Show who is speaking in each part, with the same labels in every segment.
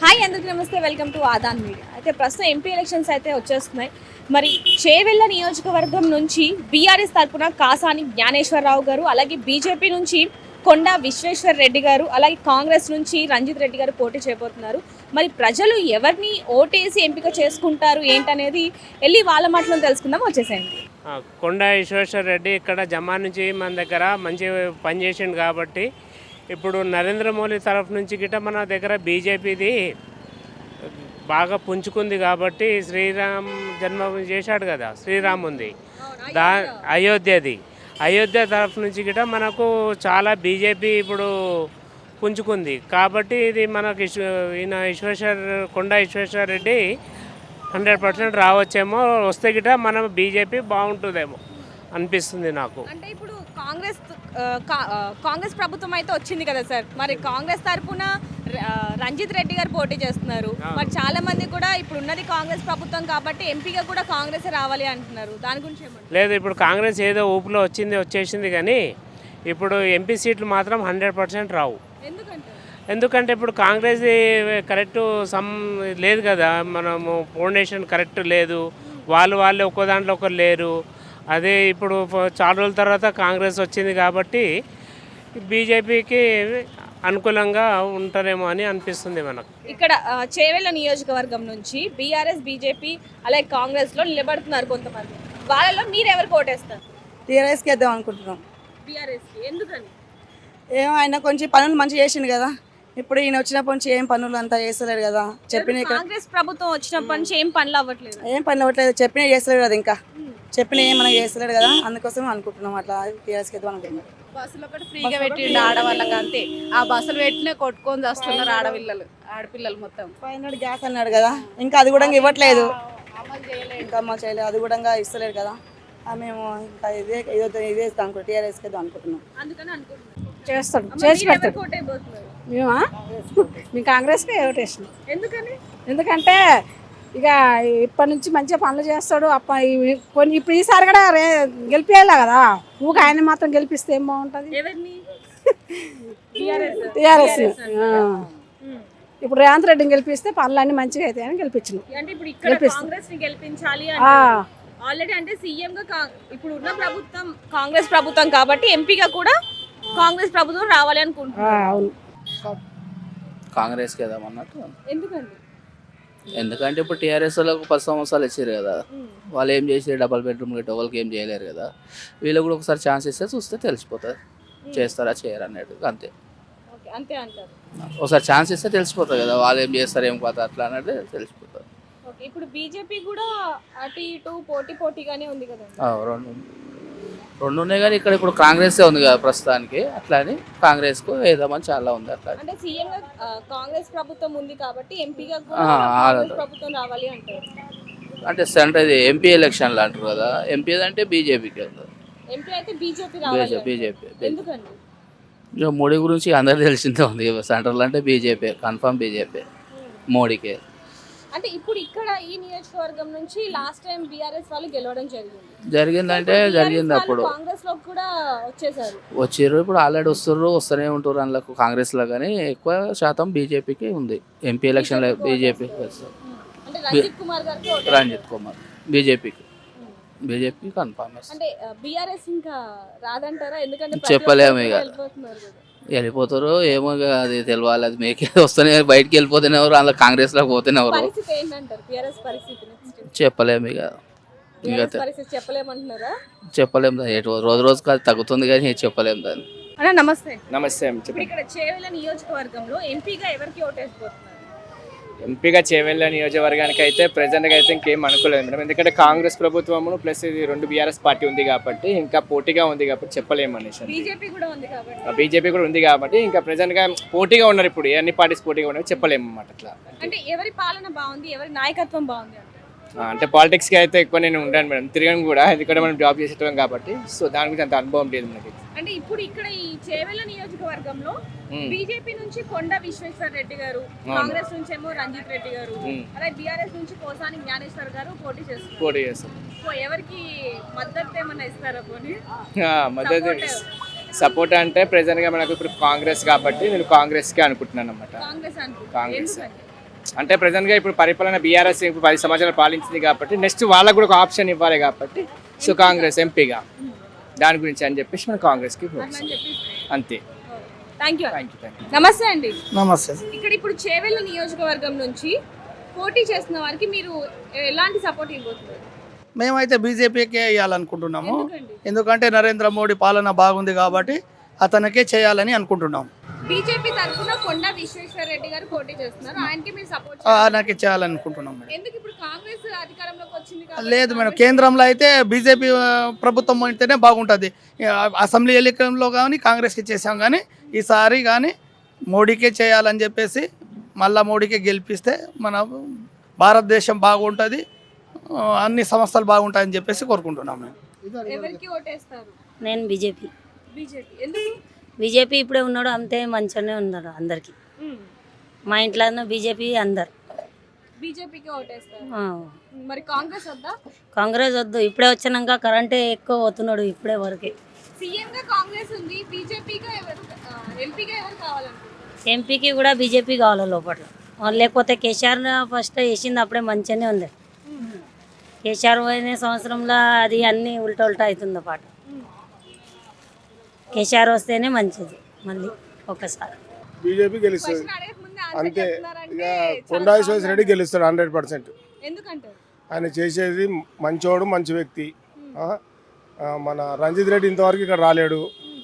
Speaker 1: Hi అందరికీ నమస్తే, welcome to ఆదాన్ media. అయితే ప్రస్తుతం ఎంపీ ఎలక్షన్స్ అయితే వచ్చేస్తున్నాయి. మరి చేవెళ్ళ నియోజకవర్గం నుంచి బీఆర్ఎస్ తరఫున కాసాని జ్ఞానేశ్వరరావు గారు, అలాగే బీజేపీ నుంచి కొండా విశ్వేశ్వర్ రెడ్డి గారు, అలాగే కాంగ్రెస్ నుంచి రంజిత్ రెడ్డి గారు పోటీ చేయబోతున్నారు. మరి ప్రజలు ఎవరిని ఓటేసి ఎంపిక చేసుకుంటారు ఏంటనేది వెళ్ళి వాళ్ళ మాటలో తెలుసుకుందాం, వచ్చేసేయండి.
Speaker 2: కొండా విశ్వేశ్వర్ రెడ్డి ఇక్కడ జమా నుంచి మన దగ్గర మంచి పనిచేసిండు కాబట్టి ఇప్పుడు నరేంద్ర మోడీ తరఫు నుంచి గిట్ట మన దగ్గర బీజేపీది బాగా పుంజుకుంది కాబట్టి శ్రీరామ్ జన్మభూమి చేశాడు కదా, శ్రీరాముంది అయోధ్య తరఫు నుంచి గిట్ట మనకు చాలా బీజేపీ ఇప్పుడు పుంజుకుంది కాబట్టి ఇది మనకు ఈయన కొండా విశ్వేశ్వర రెడ్డి 100% రావచ్చేమో. వస్తే గిట్ట మనం బీజేపీ బాగుంటుందేమో అనిపిస్తుంది నాకు.
Speaker 1: అంటే ఇప్పుడు కాంగ్రెస్ ప్రభుత్వం అయితే వచ్చింది కదా సార్, మరి కాంగ్రెస్ తరఫున రంజిత్ రెడ్డి గారు పోటీ చేస్తున్నారు. మరి చాలా మంది కూడా ఇప్పుడు ఉన్నది కాంగ్రెస్ ప్రభుత్వం కాబట్టి ఎంపీగా కూడా కాంగ్రెస్ రావాలి అంటున్నారు. దాని గురించి
Speaker 2: లేదు, ఇప్పుడు కాంగ్రెస్ ఏదో ఊపులో వచ్చేసింది కానీ ఇప్పుడు ఎంపీ సీట్లు మాత్రం 100% రావు. ఎందుకంటే ఇప్పుడు కాంగ్రెస్ కరెక్ట్ లేదు కదా, మనము ఫౌండేషన్ కరెక్ట్ లేదు, వాళ్ళు ఒక్కో దాంట్లో ఒకరు లేరు. అదే ఇప్పుడు చాలా రోజుల తర్వాత కాంగ్రెస్ వచ్చింది కాబట్టి బీజేపీకి అనుకూలంగా ఉంటారేమో అని అనిపిస్తుంది మనకు.
Speaker 1: ఇక్కడ చేవెళ్ళ నియోజకవర్గం నుంచి బీఆర్ఎస్, బీజేపీ అలాగే కాంగ్రెస్లో నిలబడుతున్నారు కొంతమంది. వాళ్ళలో మీరు ఎవరు ఓటేస్తారు?
Speaker 3: టీఆర్ఎస్కి వేద్దాం అనుకుంటున్నాం.
Speaker 1: బీఆర్ఎస్కి ఎందుకని?
Speaker 3: ఏమో ఆయన కొంచెం పనులు మంచిగా చేసిండు కదా, ఇప్పుడు ఈయన వచ్చినప్పటి నుంచి ఏం పనులు అంతా చేస్తలేడు కదా. చెప్పిన
Speaker 1: కాంగ్రెస్ ప్రభుత్వం వచ్చినప్పటి నుంచి ఏం పనులు అవ్వట్లేదు,
Speaker 3: చెప్పిన చేస్తలేడు కదా, ఇంకా చెప్పిన ఏం మనకి చేస్తలేడు కదా, అందుకోసం అనుకుంటున్నాం అట్లా టీఆర్ఎస్కి వేద్దాం అనుకుంటున్నాం.
Speaker 4: బస్సులు ఒకటి ఫ్రీగా పెట్టిండు ఆడవాళ్ళకి, అంతే. ఆ బస్సులు పెట్టినే కొట్టుకొని వస్తున్నారు ఆడపిల్లలు మొత్తం.
Speaker 3: 500 గ్యాస్ అన్నాడు కదా, ఇంకా అది కూడా ఇవ్వట్లేదు, ఇంకా అమలు చేయలేదు, అది కూడా ఇస్తలేడు కదా. మేము ఇంకా ఇదే ఇస్తాం అనుకుంటున్నాం, టీఆర్ఎస్కి వేద్దాం అనుకుంటున్నాం.
Speaker 4: చేస్తాడు, చేసి పెడతాడు. మేమా మేము కాంగ్రెస్కి ఓటేసినాం. ఎందుకంటే ఇక ఇప్పటి నుంచి మంచిగా పనులు చేస్తాడు. కొన్ని ఇప్పుడు ఈసారి కూడా గెలిపేయాలి కదా, ఊక ఆయన మాత్రం గెలిపిస్తే ఏం బాగుంటుంది? టీఆర్ఎస్ ఇప్పుడు రేవంత్ రెడ్డిని గెలిపిస్తే పనులన్నీ మంచిగా అవుతాయని గెలిపించినాం.
Speaker 1: ఆల్రెడీ అంటే సీఎం గా ఇప్పుడు ఉన్న ప్రభుత్వం కాంగ్రెస్ ప్రభుత్వం కాబట్టి ఎంపీగా కూడా కాంగ్రెస్ ప్రభుత్వం రావాలి అనుకుంటున్నాను.
Speaker 4: అవును,
Speaker 5: కాంగ్రెస్కి వేద్దాం అన్నట్టు.
Speaker 1: ఎందుకండి?
Speaker 5: ఎందుకంటే ఇప్పుడు టీఆర్ఎస్ వాళ్ళకు 10 సంవత్సరాలు ఇచ్చారు కదా, వాళ్ళు ఏం చేసి డబల్ బెడ్రూమ్ గట్టి వాళ్ళకి ఏం చేయలేరు కదా. వీళ్ళకి కూడా ఒకసారి ఛాన్స్ ఇస్తే చూస్తే తెలిసిపోతుంది చేస్తారా చేయరా అన్నట్టు, అంతే.
Speaker 1: అంతే అంటారు.
Speaker 5: ఒకసారి ఛాన్స్ ఇస్తే తెలిసిపోతుంది కదా, వాళ్ళు ఏం చేస్తారు ఏం పోతా అట్లా అన్నట్టు తెలిసిపోతుంది.
Speaker 1: ఇప్పుడు బీజేపీ కూడా అటు ఇటు పోటీగానే ఉంది కదా.
Speaker 5: రెండు ఉన్నాయి కానీ ఇక్కడ ఇప్పుడు కాంగ్రెసే ఉంది కదా ప్రస్తుతానికి, అట్లా అని కాంగ్రెస్కు వేద్దామని చాలా ఉంది. అట్లా
Speaker 1: అంటే సీఎం కాంగ్రెస్ ప్రభుత్వం ఉంది కాబట్టి ఎంపీగా కూడా ప్రభుత్వం రావాలి అంటారు.
Speaker 5: అంటే సెంటర్ ఇది ఎంపీ ఎలక్షన్లు అంటారు కదా, ఎంపీ అంటే బీజేపీకి వెళ్తారు.
Speaker 1: ఎంపీ అయితే బీజేపీ రావాలి.
Speaker 5: బీజేపీ
Speaker 1: ఎందుకండి?
Speaker 5: మోడీ గురించి అందరికీ తెలిసిందే ఉంది, సెంట్రల్ అంటే బీజేపీ, కన్ఫర్మ్ బీజేపీ మోడీకే.
Speaker 1: అంటే ఇప్పుడు ఇక్కడ ఈ నియోజకవర్గం నుంచి లాస్ట్ టైం బీఆర్ఎస్ వాళ్ళు గెలవడం
Speaker 5: జరిగిందంటే జరిగింది. అప్పుడు
Speaker 1: కాంగ్రెస్ లో కూడా
Speaker 5: వచ్చారు, ఇప్పుడు ఆల్రెడీ వస్తూనే ఉంటారు అందులో కాంగ్రెస్లో, కానీ ఎక్కువ శాతం బీజేపీకి ఉంది. ఎంపీ ఎలక్షన్లో BJP, Ranjith Kumar BJP confirm.
Speaker 1: అంటే బీఆర్ఎస్ ఇంకా రాదంటారా? ఎందుకంటే
Speaker 5: చెప్పలేము, ఇక వెళ్ళిపోతారు ఏమో, అది తెలియాలి. అది మీకే వస్తేనే బయటికి వెళ్ళిపోతేనే ఎవరు, అందులో కాంగ్రెస్లోకి పోతేనే ఎవరు చెప్పలేము. ఇక చెప్పలేము, రోజు రోజుకి అది తగ్గుతుంది కానీ చెప్పలేము దాన్ని.
Speaker 1: నమస్తే. ఇక్కడ చేవెళ్ళ నియోజకవర్గంలో ఎంపీగా ఎవరికి ఓటేసిపోతున్నారు?
Speaker 6: ఎంపీగా చేవెళ్ళ నియోజకవర్గానికి అయితే ప్రజెంట్గా అయితే ఇంకేం అనుకోలేదు మేడం, ఎందుకంటే కాంగ్రెస్ ప్రభుత్వము ప్లస్ ఇది 2 బీఆర్ఎస్ పార్టీ ఉంది కాబట్టి ఇంకా పోటీగా ఉంది కాబట్టి చెప్పలేము అనేసి.
Speaker 1: బీజేపీ కూడా
Speaker 6: ఉంది కాబట్టి ఇంకా ప్రజెంట్గా పోటీగా ఉన్నారు, ఇప్పుడు అన్ని పార్టీస్ పోటీగా ఉన్నారు, చెప్పలేము అన్నమాట. అట్లా
Speaker 1: అంటే ఎవరి పాలన బాగుంది, ఎవరి నాయకత్వం బాగుంది
Speaker 6: అంటే పాలిటిక్స్కి అయితే ఎక్కువ నేను ఉంటాను మేడం, తిరగను కూడా, ఎందుకంటే మనం జాబ్ చేసేటం కాబట్టి, సో దాని గురించి అంత అనుభవం లేదు మనకి.
Speaker 1: అంటే ఇప్పుడు ఇక్కడ ఈ చేవెళ్ళ నియోజకవర్గంలో బీజేపీ నుంచి కొండా విశ్వేశ్వర్ రెడ్డి గారు, కాంగ్రెస్ నుంచి ఏమో రంజిత్ రెడ్డి గారు, అలాగే బీఆర్ఎస్ నుంచి కోసాని జ్ఞానేశ్వర్ గారు పోటీ చేస్తారు. ఎవరికి మద్దతు ఏమన్నా ఇస్తారా? పోనీ
Speaker 6: మద్దతు సపోర్ట్ అంటే ప్రెజెంట్గా మనకు ఇప్పుడు కాంగ్రెస్ కాబట్టి నేను కాంగ్రెస్కే అనుకుంటున్నాను అన్నమాట.
Speaker 1: కాంగ్రెస్
Speaker 6: అంటే ప్రజెంట్గా ఇప్పుడు పరిపాలన బీఆర్ఎస్ ఇప్పుడు 10 సంవత్సరాలు పాలించింది కాబట్టి నెక్స్ట్ వాళ్ళకు కూడా ఒక ఆప్షన్ ఇవ్వాలి కాబట్టి సో కాంగ్రెస్ ఎంపీగా దాని గురించి అని చెప్పేసి మనం కాంగ్రెస్కి అంతే.
Speaker 1: Thank you.
Speaker 6: Thank you.
Speaker 1: నమస్తే అండి.
Speaker 7: నమస్తే.
Speaker 1: ఇక్కడ ఇప్పుడు చేవెళ్ళ నియోజకవర్గం నుంచి పోటీ చేస్తున్న వారికి మీరు ఎలాంటి సపోర్ట్ ఇవ్వబోతున్నారు?
Speaker 7: మేమైతే బీజేపీకే వేయాలనుకుంటున్నాము.
Speaker 1: ఎందుకండి?
Speaker 7: ఎందుకంటే నరేంద్ర మోడీ పాలన బాగుంది కాబట్టి అతనికే చేయాలని అనుకుంటున్నాం.
Speaker 1: బీజేపీ తరఫున కొండా విశ్వేశ్వర రెడ్డి గారు పోటీ చేస్తున్నారు, ఆయనకి మీరు సపోర్ట్
Speaker 7: ఆయనకి చేయాలనుకుంటున్నాం మేడం.
Speaker 1: ఎందుకు? ఇప్పుడు కాంగ్రెస్ అధికారంలోకి వచ్చింది కాబట్టి
Speaker 7: లేదు మేడం, కేంద్రంలో అయితే బీజేపీ ప్రభుత్వం అయితేనే బాగుంటుంది. అసెంబ్లీ ఎన్నికల్లో కానీ కాంగ్రెస్కి చేసాం, కానీ ఈసారి కానీ మోడీకే చేయాలని చెప్పేసి మళ్ళా మోడీకే గెలిపిస్తే మన భారతదేశం బాగుంటుంది, అన్ని సంస్థలు బాగుంటాయని చెప్పేసి కోరుకుంటున్నాం మేము.
Speaker 1: ఎవరికి ఓటేస్తారు?
Speaker 8: నేను బీజేపీ.
Speaker 1: బీజేపీ ఎందుకు?
Speaker 8: బీజేపీ ఇప్పుడే ఉన్నాడు అంతే, మంచిగానే ఉన్నాడు అందరికి. మా ఇంట్లో బీజేపీ అందరు
Speaker 1: బీజేపీకి ఓటేస్తారు.
Speaker 8: ఆ.
Speaker 1: మరి కాంగ్రెస్ వద్దా?
Speaker 8: కాంగ్రెస్ వద్దు, ఇప్పుడే వచ్చినాక కరెంటే ఎక్కువ పోతున్నాడు ఇప్పుడే వరకే.
Speaker 1: సీఎం గా కాంగ్రెస్ ఉంది, బీజేపీగా ఎవరు, ఎంపీగా ఎవరు కావాలనుకుంటున్నారు?
Speaker 8: ఎంపీకి కూడా బీజేపీ కావాలి లోపల, లేకపోతే కేసీఆర్ ఫస్ట్ వేసింది అప్పుడే మంచిగానే ఉంది. కేసీఆర్ పోయిన సంవత్సరంలో అది అన్నీ ఉల్టా ఉల్టా అవుతుంది పాట. కేసీఆర్ వస్తేనే మంచిది మళ్ళీ ఒకసారి.
Speaker 9: బీజేపీ గెలుస్తుంది
Speaker 1: క్వశ్చన్ అడగక ముందే ఆన్సర్
Speaker 9: అంతే.
Speaker 1: చెప్తున్నారంటే
Speaker 9: ఇక
Speaker 1: చాలా
Speaker 9: కొండా విశ్వేశ్వర రెడ్డి గెలుస్తాడు 100%.
Speaker 1: ఎందుకంటారు?
Speaker 9: ఆయన చేసేది మంచోడు, మంచి వ్యక్తి. మన రంజిత్ రెడ్డి ఇంతవరకు ఇక్కడ రాలేడు.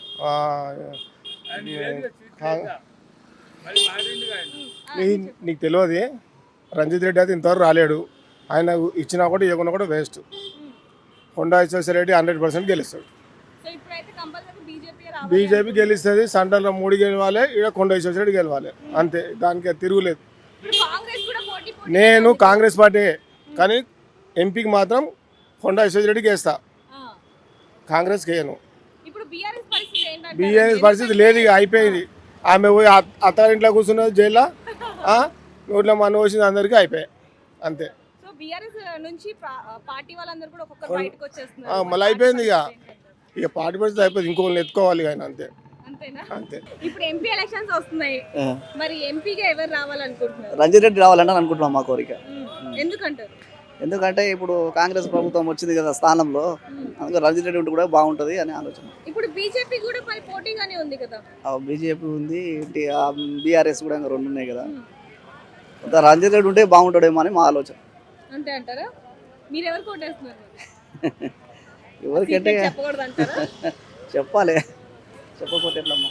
Speaker 9: నీకు తెలియదు, రంజిత్ రెడ్డి అయితే ఇంతవరకు రాలేడు. ఆయన ఇచ్చినా కూడా ఇవ్వకుండా కూడా వేస్ట్. కొండా విశ్వేశ్వర రెడ్డి 100% గెలుస్తాడు.
Speaker 1: సో ఇప్పుడైతే కంపల్సరీ బీజేపీ
Speaker 9: బీజేపీ గెలుస్తుంది. సెంట్రల్లో మోడీ గెలవాలి, ఇక్కడ కొండా విశ్వేశ్వర రెడ్డి గెలవాలి, అంతే. దానికి తిరుగులేదు.
Speaker 1: కాంగ్రెస్ కూడా పోటీ
Speaker 9: నేను కాంగ్రెస్ పార్టీ, కానీ ఎంపీకి మాత్రం కొండా విశ్వేశ్వర రెడ్డికి వేస్తా, కాంగ్రెస్కి వేయను.
Speaker 1: ఇప్పుడు బీఆర్ఎస్ పరిస్థితి ఏంటంటే
Speaker 9: బీఆర్ఎస్ పరిస్థితి లేదు, ఇక అయిపోయింది. ఆమె పోయి అత్తారింట్లో కూర్చున్నది జైల్లో, నోట్లో మన వచ్చింది, అందరికీ అయిపోయాయి, అంతే.
Speaker 1: సో బీఆర్ఎస్ నుంచి పార్టీ వాళ్ళందరూ కూడా ఒక్కొక్కరు బయటకు వచ్చేస్తున్నారు.
Speaker 9: మళ్ళీ అయిపోయింది, ఇక పార్టీ పరిస్థితి అయిపోయింది. ఇంకొకరిని ఎత్తుకోవాలి ఆయన, అంతే
Speaker 1: అంతేనా?
Speaker 9: అంతే.
Speaker 1: ఇప్పుడు ఎంపీ ఎలక్షన్స్ వస్తున్నాయి, మరి ఎంపీగా ఎవరు రావాలనుకుంటున్నారు?
Speaker 3: రంజిత్ రెడ్డి రావాలని అనుకుంటున్నాం, మా కోరిక.
Speaker 1: ఎందుకంటారు?
Speaker 3: ఎందుకంటే ఇప్పుడు కాంగ్రెస్ ప్రభుత్వం వచ్చింది కదా స్థానంలో, అందుకే రంజిత్ రెడ్డి ఉంటే కూడా బాగుంటుంది అని ఆలోచన.
Speaker 1: ఇప్పుడు బీజేపీ కూడా మరి పోటీగానే ఉంది కదా.
Speaker 3: బీజేపీ ఉంది, బీఆర్ఎస్ కూడా ఇంకా 2 ఉన్నాయి కదా. రంజిత్ రెడ్డి ఉంటే బాగుంటాడేమో అని మా ఆలోచన.
Speaker 1: అంతే అంటారా? మీరు ఎవరు కోటేస్తున్నారు?
Speaker 3: ఎవరికంటే
Speaker 1: చెప్పకూడదు అంటారా?
Speaker 3: చెప్పాలి, చెప్పకపోతే ఎట్లమ్మా.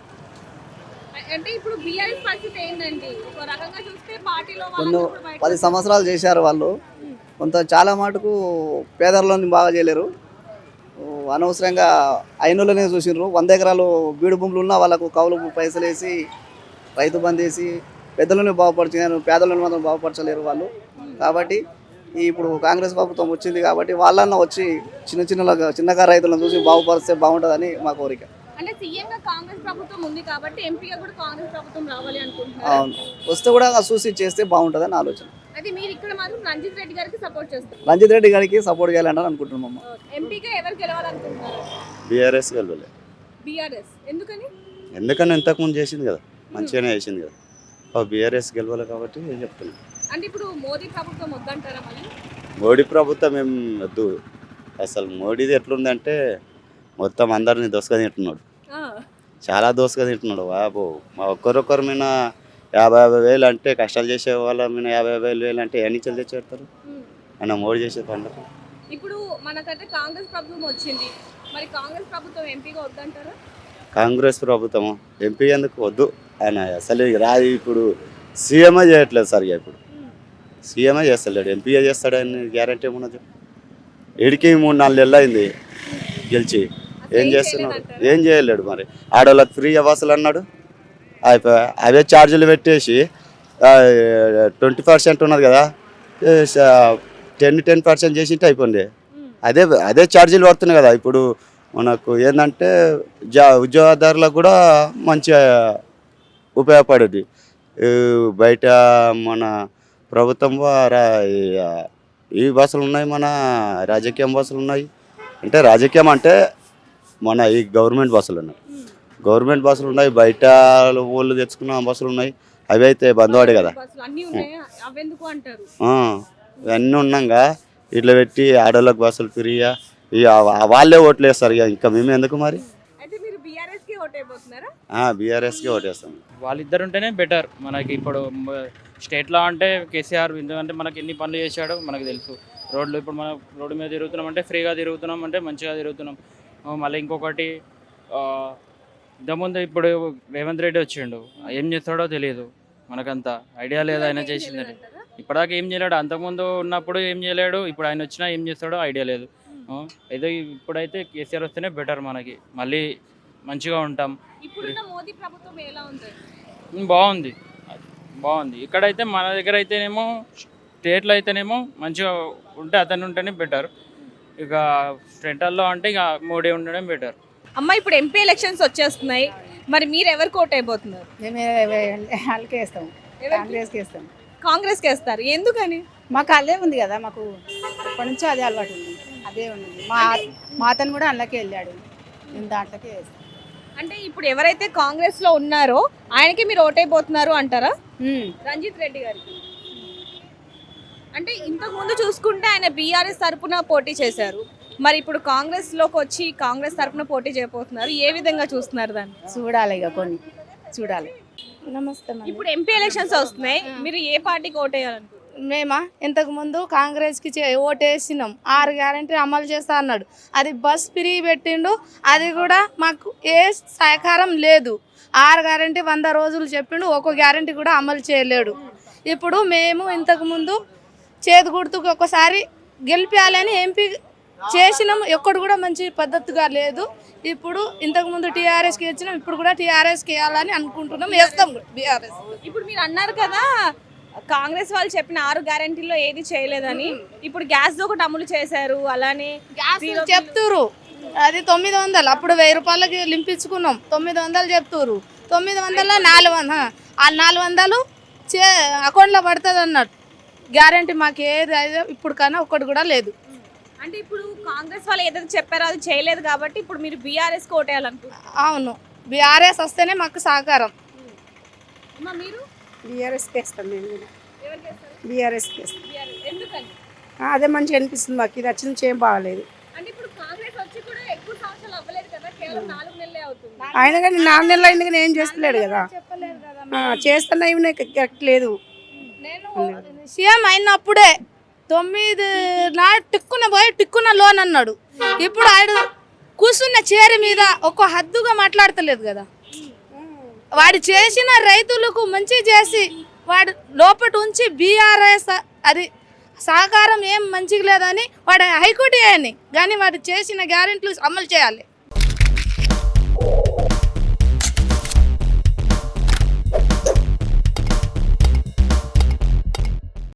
Speaker 1: అంటే ఇప్పుడు బీఆర్ఎస్ పరిస్థితి ఏంటండి? ఒక రకంగా చూస్తే పార్టీలో
Speaker 3: కొన్ని 10 సంవత్సరాలు చేశారు వాళ్ళు, కొంత చాలా మటుకు పేదలను బాగా చేయలేరు. అనవసరంగా అయినోళ్ళనే చూసినారు. 100 ఎకరాలు బీడు భూములు ఉన్న వాళ్ళకు కౌలు పైసలు వేసి రైతు బంద్ వేసి పెద్దలను బాగుపరిచారు, పేదలను మాత్రం బాగుపరచలేరు వాళ్ళు. కాబట్టి ఇప్పుడు కాంగ్రెస్ ప్రభుత్వం వచ్చింది కాబట్టి వాళ్ళన్న వచ్చి చిన్నగా రైతులను చూసి బాగుపరిస్తే బాగుంటుందని మా కోరిక.
Speaker 1: అంటే సీఎం గా కాంగ్రెస్ ప్రభుత్వం ఉంది కాబట్టి ఎంపీగా కూడా కాంగ్రెస్ ప్రభుత్వం రావాలి అనుకుంటున్నారు.
Speaker 3: అవును, వస్తే కూడా చూసి చేస్తే బాగుంటుందని ఆలోచన.
Speaker 1: అది మీరు ఇక్కడ మాత్రం రంజిత్ రెడ్డి గారికి సపోర్ట్ చేస్తారు?
Speaker 3: రంజిత్ రెడ్డి గారికి సపోర్ట్ చేయాలని అనుకుంటున్నాం.
Speaker 1: ఎంపీగా ఎవరు గెలవాలనుకుంటున్నారు?
Speaker 10: బీఆర్ఎస్ గెలవలే.
Speaker 1: బీఆర్ఎస్ ఎందుకని?
Speaker 10: ఎందుకని ఇంతకుముందు చేసింది కదా, మంచిగానే చేసింది కదా. బీఆర్ఎస్ గెలవాలి కాబట్టి చెప్తున్నాను.
Speaker 1: అంటే ఇప్పుడు మోదీ ప్రభుత్వం వద్దంటారా? మళ్ళీ
Speaker 10: మోడీ ప్రభుత్వం ఏం వద్దు. అసలు మోడీది ఎట్లుందంటే మొత్తం అందరినీ దోసుగా తింటున్నాడు, చాలా దోసుగా తింటున్నాడు. బాబు, మా ఒక్కరొక్కరి మీద 50,000 వేలు అంటే, కష్టాలు చేసే వాళ్ళ మీద 50,000 వేలు అంటే ఎన్ని చెల్లి తెచ్చేస్తారు ఆయన మోడీ చేసే పనులకు.
Speaker 1: ఇప్పుడు మనకంటే కాంగ్రెస్ ప్రభుత్వం వచ్చింది, మరి కాంగ్రెస్ ప్రభుత్వం ఎంపీగా వద్దంటారా?
Speaker 10: కాంగ్రెస్ ప్రభుత్వం ఎంపీ ఎందుకు వద్దు, ఆయన అసలు రాదు. ఇప్పుడు సీఎంఏ చేయట్లేదు సరిగా, ఇప్పుడు సీఎంఏ చేస్తలేడు, ఎంపీఏ చేస్తాడని గ్యారంటీ ఏమున్నది? ఇడికి 3-4 నెలలు అయింది గెలిచి, ఏం చేస్తున్నాడు? ఏం చేయలేడు. మరి ఆడవాళ్ళకి ఫ్రీ బస్సులు అన్నాడు, అయిపోయా. అవే ఛార్జీలు పెట్టేసి 20% ఉన్నది కదా, 10% చేసింటే అయిపోయింది. అదే ఛార్జీలు పడుతున్నాయి కదా. ఇప్పుడు మనకు ఏంటంటే ఉద్యోగదారులకు కూడా మంచిగా ఉపయోగపడేది. బయట మన ప్రభుత్వం ఈ బస్సులు ఉన్నాయి, మన రాజకీయం బస్సులు ఉన్నాయి. అంటే రాజకీయం అంటే మన ఈ గవర్నమెంట్ బస్సులు ఉన్నాయి, బయట వాళ్ళు తెచ్చుకున్న బస్సులు ఉన్నాయి. అవి అయితే బందవాడు కదా.
Speaker 1: బస్సులు అన్నీ ఉన్నాయా? అవెందుకు అంటారు?
Speaker 10: ఇవన్నీ ఉన్నాగా ఇట్లా పెట్టి ఆడోళ్ళకి బస్సులు ఫ్రీగా ఇక వాళ్ళే ఓట్లు వేస్తారు. ఇంకా మేము ఎందుకు మరి?
Speaker 1: అయితే మీరు బీఆర్ఎస్ కి ఓటైపోతున్నారా?
Speaker 10: బీఆర్ఎస్కి ఓటేస్తాం.
Speaker 11: వాళ్ళిద్దరు ఉంటేనే బెటర్ మనకి. ఇప్పుడు స్టేట్లో అంటే కేసీఆర్, ఎందుకంటే మనకి ఎన్ని పనులు చేశాడో మనకు తెలుసు. రోడ్లు ఇప్పుడు మనం రోడ్డు మీద తిరుగుతున్నాం అంటే ఫ్రీగా తిరుగుతున్నాం, అంటే మంచిగా తిరుగుతున్నాం. మళ్ళీ ఇంకొకటి ఇంతకుముందు ఇప్పుడు రేవంత్ రెడ్డి వచ్చిండు, ఏం చేస్తాడో తెలియదు, మనకంతా ఐడియా లేదు ఆయన చేసిందని. ఇప్పటిదాకా ఏం చేయలేడు, అంతకుముందు ఉన్నప్పుడు ఏం చేయలేడు, ఇప్పుడు ఆయన వచ్చినా ఏం చేస్తాడో ఐడియా లేదు. ఏదో ఇప్పుడైతే కేసీఆర్ వస్తేనే బెటర్ మనకి, మళ్ళీ మంచిగా ఉంటాం.
Speaker 1: ఇప్పుడున్న మోదీ ప్రభుత్వం ఎలా ఉంది?
Speaker 11: బాగుంది, బాగుంది. ఇక్కడైతే మన దగ్గర అయితేనేమో, స్టేట్లో అయితేనేమో మంచిగా ఉంటే అతను ఉంటేనే బెటర్. ఇక సెంట్రల్లో అంటే ఇక మోడీ ఉండడం బెటర్.
Speaker 1: అమ్మ, ఇప్పుడు ఎంపీ ఎలక్షన్స్ వచ్చేస్తున్నాయి, మరి మీరు ఎవరికి ఓటైపోతున్నారు?
Speaker 4: వాళ్ళకే వేస్తాం, కాంగ్రెస్కి వేస్తాం.
Speaker 1: కాంగ్రెస్కి వేస్తారు, ఎందుకని?
Speaker 4: మాకు అదే ఉంది కదా, మాకు ఎప్పటి నుంచో అదే అలవాటు ఉంది, అదే ఉంది. మా అతను కూడా అందులోకి వెళ్ళాడు, నేను దాంట్లోకే వేస్తాను.
Speaker 1: అంటే ఇప్పుడు ఎవరైతే కాంగ్రెస్ లో ఉన్నారో ఆయనకి మీరు ఓటైపోతున్నారు అంటారా? రంజిత్ రెడ్డి గారికి. అంటే ఇంతకు ముందు చూసుకుంటే ఆయన బీఆర్ఎస్ తరపున పోటీ చేశారు, మరి ఇప్పుడు కాంగ్రెస్ లోకి వచ్చి కాంగ్రెస్ తరపున పోటీ చేయబోతున్నారు. ఏ విధంగా చూస్తున్నారు దాన్ని?
Speaker 4: చూడాలి, ఇక కొన్ని చూడాలి. నమస్తే.
Speaker 1: ఇప్పుడు ఎంపీ ఎలక్షన్స్ వస్తున్నాయి, మీరు ఏ పార్టీకి ఓటేయాలనుకుంటున్నారు?
Speaker 4: మేమా ఇంతకుముందు కాంగ్రెస్కి ఓటేసినాం, 6 గ్యారెంటీ అమలు చేస్తా అన్నాడు, అది బస్ ఫ్రీ పెట్టిండు, అది కూడా మాకు ఏ సహకారం లేదు. 6 గ్యారెంటీ 100 రోజులు చెప్పిండు, ఒక్కో గ్యారెంటీ కూడా అమలు చేయలేడు. ఇప్పుడు మేము ఇంతకుముందు చేతి గుర్తుకు ఒకసారి గెలిపించాలని ఎంపీ చేసినాం, ఎక్కడు కూడా మంచి పద్ధతిగా లేదు. ఇప్పుడు ఇంతకుముందు టీఆర్ఎస్కి ఇచ్చినాం, ఇప్పుడు కూడా టీఆర్ఎస్కి వేయాలని అనుకుంటున్నాం, వేస్తాం బీఆర్ఎస్.
Speaker 1: ఇప్పుడు మీరు అన్నారు కదా కాంగ్రెస్ వాళ్ళు చెప్పిన 6 గ్యారెంటీలో ఏది చేయలేదని, ఇప్పుడు గ్యాస్ ఒకటి అమలు చేశారు, అలానే
Speaker 4: చెప్తురు అది 900, అప్పుడు 1000 రూపాయలకి లింపించుకున్నాం, 900 చెప్తురు, 900 400, ఆ 400 అకౌంట్లో పడుతుంది అన్నట్టు. గ్యారెంటీ మాకు ఏది అయితే ఇప్పుడు కన్నా ఒక్కటి కూడా లేదు.
Speaker 1: అంటే ఇప్పుడు కాంగ్రెస్ వాళ్ళు ఏదైతే చెప్పారో అది చేయలేదు కాబట్టి ఇప్పుడు మీరు బీఆర్ఎస్ కోటేయాలనుకుంటున్నారు?
Speaker 4: అవును, బీఆర్ఎస్ వస్తేనే మాకు సహకారం.
Speaker 1: మీరు
Speaker 4: బీఆర్ఎస్కి వేస్తాం, మేము కూడా
Speaker 1: ఎవరికి వేస్తారు?
Speaker 4: బీఆర్ఎస్కి వేస్తాం.
Speaker 1: ఎందుకని?
Speaker 4: అదే మంచిగా అనిపిస్తుంది మాకు, ఇది వచ్చి నుంచి ఏం బాగాలేదు.
Speaker 1: అంటే ఇప్పుడు కాంగ్రెస్ వచ్చి కూడా ఎక్కువ సంవత్సరాలు అవ్వలేదు కదా, కేవలం 4 నెలలే అవుతుంది.
Speaker 4: ఆయన కానీ 4 నెలలు అయింది కానీ ఏం చేస్తలేడు కదా, చేస్తున్నా ఇవి కరెక్ట్ లేదు. సీఎం అయినప్పుడే 9 నాడు టిక్కున పోయి టిక్కున లోన్ అన్నాడు, ఇప్పుడు ఆయన కూర్చున్న చీర మీద ఒక హద్దుగా మాట్లాడతలేదు కదా. వాడు చేసిన రైతులకు మంచి చేసి వాడు లోపల ఉంచి బీఆర్ఎస్ అది సహకారం ఏం మంచిగా లేదని వాడు హైకోర్టు వేయని, కానీ వాడు చేసిన గ్యారెంటీలు అమలు చేయాలి.